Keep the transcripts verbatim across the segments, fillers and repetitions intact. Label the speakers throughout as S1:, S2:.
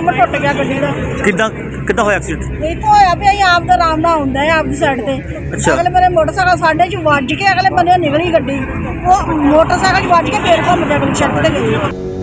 S1: Rim ਟੁੱਟ ਗਿਆ ਗੱਡੀ ਦਾ।
S2: ਕਿੱਦਾਂ ਕਿੱਦਾਂ ਹੋਇਆ ਐਕਸੀਡੈਂਟ?
S1: ਇੱਥੋਂ ਹੋਇਆ ਵੀ ਅਸੀਂ ਆਪ ਦਾ ਆਰਾਮ ਨਾਲ ਹੁੰਦਾ ਹੈ ਆਪਦੀ ਸਾਈਡ ਤੇ।
S2: ਅੱਛਾ।
S1: ਅਗਲੇ ਮੇਰੇ ਮੋਟਰਸਾਈਕਲ ਸਾਡੇ ਚ ਵੱਜ ਕੇ ਅਗਲੇ ਬੰਨੇ ਨਿਕਲੀ ਗੱਡੀ, ਉਹ ਮੋਟਰਸਾਈਕਲ ਚ ਵੱਜ ਕੇ ਫੇਰ ਘੁੰਮ ਕੇ ਅਗਲੀ ਛੱਤ ਤੇ ਗਈ।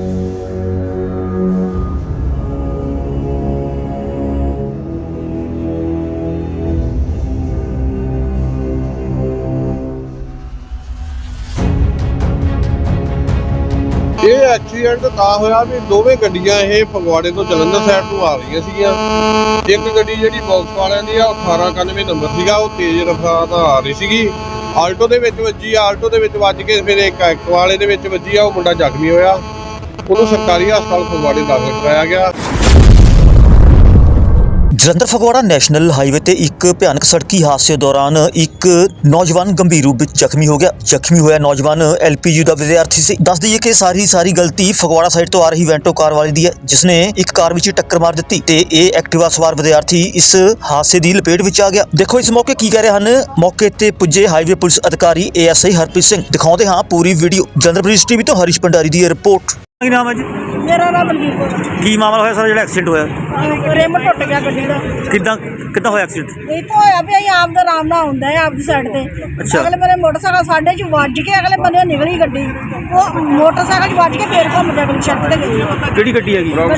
S3: ਇਹ ਐਕਸੀਡੈਂਟ ਤਾਂ ਹੋਇਆ ਵੀ ਦੋਵੇਂ ਗੱਡੀਆਂ ਇਹ ਫਗਵਾੜੇ ਤੋਂ ਜਲੰਧਰ ਸਾਈਡ ਨੂੰ ਆ ਰਹੀਆਂ ਸੀਗੀਆਂ। ਇੱਕ ਗੱਡੀ ਜਿਹੜੀ ਬਾਕਸ ਵਾਲਿਆਂ ਦੀ ਆ ਉਹ ਅਠਾਰਾਂ ਇਕਾਨਵੇਂ ਨੰਬਰ ਸੀਗਾ, ਉਹ ਤੇਜ਼ ਰਫ਼ਤਾਰ ਨਾਲ ਆ ਰਹੀ ਸੀਗੀ। ਆਲਟੋ ਦੇ ਵਿੱਚ ਵੱਜੀ, ਆਲਟੋ ਦੇ ਵਿੱਚ ਵੱਜ ਕੇ ਫਿਰ ਇੱਕ ਐਕਟ ਵਾਲੇ ਦੇ ਵਿੱਚ ਵੱਜੀ ਆ, ਉਹ ਮੁੰਡਾ ਜ਼ਖਮੀ ਹੋਇਆ। ਉਹਨੂੰ ਸਰਕਾਰੀ ਹਸਪਤਾਲ ਫਗਵਾੜੇ ਦਾਖਲ ਕਰਾਇਆ ਗਿਆ।
S2: ਜਲੰਧਰ ਫਗਵਾੜਾ ਨੈਸ਼ਨਲ ਹਾਈਵੇ ਤੇ ਇੱਕ ਭਿਆਨਕ ਸੜਕੀ ਹਾਦਸੇ ਦੌਰਾਨ ਇੱਕ ਨੌਜਵਾਨ ਗੰਭੀਰ ਰੂਪ ਵਿੱਚ ਜ਼ਖਮੀ ਹੋ ਗਿਆ। ਜ਼ਖਮੀ ਹੋਇਆ ਨੌਜਵਾਨ ਐਲ ਪੀ ਯੂ ਦਾ ਵਿਦਿਆਰਥੀ ਸੀ। ਦੱਸ ਦਈਏ ਕਿ ਸਾਰੀ ਸਾਰੀ ਗਲਤੀ ਫਗਵਾੜਾ ਸਾਈਡ ਤੋਂ ਆ ਰਹੀ ਵੈਂਟੋ ਕਾਰ ਵਾਲੇ ਦੀ ਹੈ, ਜਿਸਨੇ ਇੱਕ ਕਾਰ ਵਿੱਚ ਟੱਕਰ ਮਾਰ ਦਿੱਤੀ ਤੇ ਇਹ ਐਕਟਿਵਾ ਸਵਾਰ ਵਿਦਿਆਰਥੀ ਇਸ ਹਾਦਸੇ ਦੀ ਲਪੇਟ ਵਿੱਚ ਆ ਗਿਆ। ਦੇਖੋ ਇਸ ਮੌਕੇ ਕੀ ਕਹਿ ਰਹੇ ਹਨ ਮੌਕੇ ਤੇ ਪੁੱਜੇ ਹਾਈਵੇ ਪੁਲਿਸ ਅਧਿਕਾਰੀ A S I Harpreet Singh. ਦਿਖਾਉਂਦੇ ਹਾਂ ਪੂਰੀ ਵੀਡੀਓ। ਜਲੰਧਰ ਪੁਲਿਸ ਟੀਵੀ ਤੋਂ ਹਰੀਸ਼ ਭੰਡਾਰੀ ਦੀ ਰਿਪੋਰਟ। ਕੀ ਨਾਮ ਹੈ ਜੀ?
S1: ਮੇਰਾ ਨਾਮ ਮਨਦੀਪ ਕੌਰ।
S2: ਕੀ ਮਾਮਲਾ ਹੋਇਆ ਸਰ ਜਿਹੜਾ ਐਕਸੀਡੈਂਟ ਹੋਇਆ?
S1: ਰਿਮ ਟੁੱਟ ਗਿਆ ਗੱਡੀ ਦਾ।
S2: ਕਿੱਦਾਂ ਕਿੱਦਾਂ ਹੋਇਆ ਐਕਸੀਡੈਂਟ?
S1: ਇੱਥੋਂ ਹੋਇਆ ਵੀ ਅਸੀਂ ਆਪ ਦਾ ਆਰਾਮ ਨਾਲ ਹੁੰਦਾ ਹੈ ਆਪਦੀ ਸਾਈਡ ਤੇ।
S2: ਅੱਛਾ।
S1: ਅਗਲੇ ਮੇਰੇ ਮੋਟਰਸਾਈਕਲ ਸਾਡੇ ਚ ਵੱਜ ਕੇ ਅਗਲੇ ਬੰਨੇ ਨਿਕਲੀ ਗੱਡੀ, ਉਹ ਮੋਟਰਸਾਈਕਲ ਚ ਵੱਜ ਕੇ ਫੇਰ ਘੁੰਮ ਕੇ ਅਗਲੀ ਛੱਤ ਤੇ ਗਈ।
S2: ਕਿਹੜੀ ਗੱਡੀ ਹੈਗੀ?
S1: ਰੌਂਗ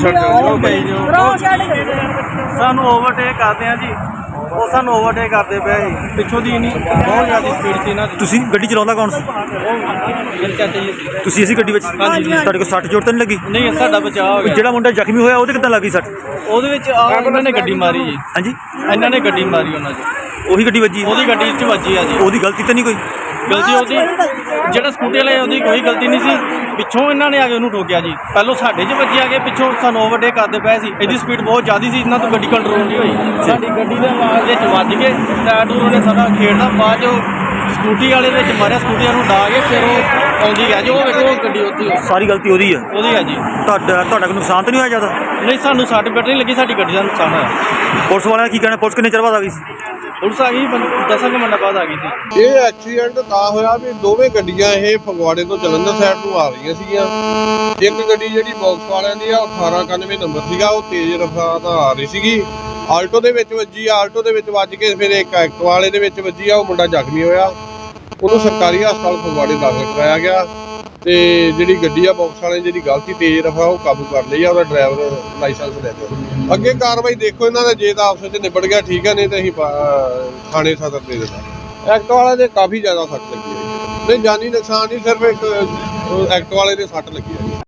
S1: ਸਾਈਡ
S4: ਸਾਨੂੰ ਓਵਰਟੇਕ ਕਰਦੇ ਆ ਜੀ, ਉਹ ਸਾਨੂੰ ਓਵਰਟੇਕ ਕਰਦੇ ਪਏ ਸੀ ਪਿੱਛੋਂ ਦੀ ਨਹੀਂ, ਬਹੁਤ ਜ਼ਿਆਦਾ ਸਪੀਡ ਸੀ ਇਹਨਾਂ ਦੀ।
S2: ਤੁਸੀਂ ਗੱਡੀ ਚਲਾਉਂਦਾ ਕੌਣ ਸੀ?
S4: ਮੇਰੇ ਚਾਚਾ ਜੀ ਸੀ।
S2: ਤੁਸੀਂ ਇਸੇ ਗੱਡੀ ਵਿੱਚ?
S4: ਹਾਂਜੀ।
S2: ਤੁਹਾਡੇ ਕੋਲ ਸੱਟ ਚੋਟ ਤਾਂ ਨਹੀਂ ਲੱਗੀ?
S4: ਨਹੀਂ, ਸਾਡਾ ਬਚਾਅ ਹੋ ਗਿਆ।
S2: ਜਿਹੜਾ ਮੁੰਡਾ ਜ਼ਖਮੀ ਹੋਇਆ ਉਹਦੇ ਕਿੱਦਾਂ ਲੱਗੀ ਸੱਟ?
S4: ਉਹਦੇ ਵਿੱਚ ਆ ਇਹਨਾਂ ਨੇ ਗੱਡੀ ਮਾਰੀ ਜੀ।
S2: ਹਾਂਜੀ,
S4: ਇਹਨਾਂ ਨੇ ਗੱਡੀ ਮਾਰੀ ਉਹਨਾਂ 'ਚ,
S2: ਉਹੀ ਗੱਡੀ ਵੱਜੀ?
S4: ਉਹਦੀ ਗੱਡੀ 'ਚ ਵੱਜੀ ਆ ਜੀ।
S2: ਉਹਦੀ ਗਲਤੀ ਤਾਂ ਨਹੀਂ ਕੋਈ?
S4: ਗਲਤੀ ਉਹਦੀ, ਜਿਹੜਾ ਸਕੂਟੀ ਵਾਲੇ ਉਹਦੀ ਕੋਈ ਗਲਤੀ ਨਹੀਂ ਸੀ। ਪਿੱਛੋਂ ਇਹਨਾਂ ਨੇ ਆ ਕੇ ਉਹਨੂੰ ਠੋਕਿਆ ਜੀ। ਪਹਿਲੋਂ ਸਾਡੇ 'ਚ ਵੱਜੀ, ਆ ਕੇ ਪਿੱਛੋਂ ਸਾਨੂੰ ਓਵਰਟੇਕ ਕਰਦੇ ਪਏ ਸੀ। ਇਹਦੀ ਸਪੀਡ ਬਹੁਤ ਜ਼ਿਆਦਾ ਸੀ, ਇਹਨਾਂ ਤੋਂ ਗੱਡੀ ਕੰਟਰੋਲ ਨਹੀਂ ਹੋਈ। ਸਾਡੀ ਗੱਡੀ ਦੇ ਆਵਾਜ਼ ਵਿੱਚ ਵੱਜ ਕੇ ਟਾਇਰ ਟੂਰ ਉਹਨੇ ਸਾਡਾ ਖੇਡਦਾ, ਬਾਅਦ 'ਚੋਂ ਸਕੂਟੀ ਵਾਲੇ ਵਿੱਚ ਮਾਰਿਆ, ਸਕੂਟੀ ਨੂੰ ਡਾ ਕੇ ਫਿਰ ਉਹ ਆਉਂਦੀ ਹੈ ਜੀ। ਉਹ ਵੇਖੋ ਉਹ ਗੱਡੀ ਉੱਥੇ
S2: ਸਾਰੀ ਗਲਤੀ ਉਹਦੀ ਹੈ?
S4: ਉਹਦੀ ਹੈ ਜੀ।
S2: ਤੁਹਾਡਾ ਤੁਹਾਡਾ ਕੋਈ ਨੁਕਸਾਨ ਤਾਂ ਨਹੀਂ ਹੋਇਆ ਜ਼ਿਆਦਾ?
S4: ਨਹੀਂ, ਸਾਨੂੰ ਸੱਟ ਫੇਟ ਨਹੀਂ ਲੱਗੀ, ਸਾਡੀ ਗੱਡੀ ਦਾ ਨੁਕਸਾਨ ਹੋਇਆ।
S2: ਪੁਲਿਸ ਵਾਲਿਆਂ ਦਾ ਕੀ ਕਹਿਣਾ? ਪੁਲਿਸ ਕਿੰਨੇ ਚਿਰ ਬਾਅਦ ਆ ਗਈ ਸੀ?
S4: ਪੁਲਿਸ ਆ ਗਈ ਦਸਾਂ ਕੁ ਮਿੰਟਾਂ ਬਾਅਦ ਆ ਗਈ ਸੀ।
S3: ਇਹ ਐਕਸੀਡੈਂਟ ਤਾਂ ਹੋਇਆ ਵੀ ਦੋਵੇਂ ਗੱਡੀਆਂ ਇਹ ਫਗਵਾੜੇ ਤੋਂ ਜਲੰਧਰ ਸਾਈਡ ਨੂੰ ਆ ਰਹੀਆਂ ਸੀਗੀਆਂ। ਇੱਕ ਗੱਡੀ ਜਿਹੜੀ ਬਾਕਸ ਵਾਲਿਆਂ ਦੀ ਆ ਉਹ ਅਠਾਰਾਂ ਇਕਾਨਵੇਂ ਨੰਬਰ ਸੀਗਾ, ਉਹ ਤੇਜ਼ ਰਫ਼ਤਾਰ ਨਾਲ ਆ ਰਹੀ ਸੀਗੀ। ਆਲਟੋ ਦੇ ਵਿੱਚ ਵੱਜੀ, ਆਲਟੋ ਦੇ ਵਿੱਚ ਵੱਜ ਕੇ ਫਿਰ ਇੱਕ ਐਕਟ ਵਾਲੇ ਦੇ ਵਿੱਚ ਵੱਜੀ ਆ, ਉਹ ਮੁੰਡਾ ਜ਼ਖਮੀ ਹੋਇਆ। ਉਹਨੂੰ ਸਰਕਾਰੀ ਹਸਪਤਾਲ ਫਗਵਾੜੇ ਦਾਖਲ ਕਰਾਇਆ ਗਿਆ। ਤੇ ਜਿਹੜੀ ਗੱਡੀ ਆ ਬਾਕਸ ਵਾਲੇ ਜਿਹੜੀ ਗਲਤੀ ਤੇਜ਼ ਰਫ਼ਤਾਰ ਉਹ ਕਾਬੂ ਕਰ ਲਈ ਆ, ਉਹਦਾ ਡਰਾਈਵਰ ਲਾਇਸੈਂਸ ਲੈ ਲਿਆ। ਅੱਗੇ ਕਾਰਵਾਈ ਦੇਖੋ ਇਹਨਾਂ ਦਾ, ਜੇ ਤਾਂ ਆਪਸ ਵਿੱਚ ਨਿਬੜ ਗਿਆ ਠੀਕ ਹੈ, ਨਹੀਂ ਤਾਂ ਅਸੀਂ ਥਾਣੇ ਸਦਰ ਦੇ ਦੇਣਾ। ਐਕਟ ਵਾਲੇ ਦੇ ਕਾਫੀ ਜ਼ਿਆਦਾ ਸੱਟ ਲੱਗੀ ਹੈ। ਨਹੀਂ, ਜਾਨੀ ਨੁਕਸਾਨ ਨਹੀਂ, ਸਿਰਫ ਇੱਕ ਐਕਟ ਵਾਲੇ ਦੇ ਸੱਟ ਲੱਗੀ ਹੈ।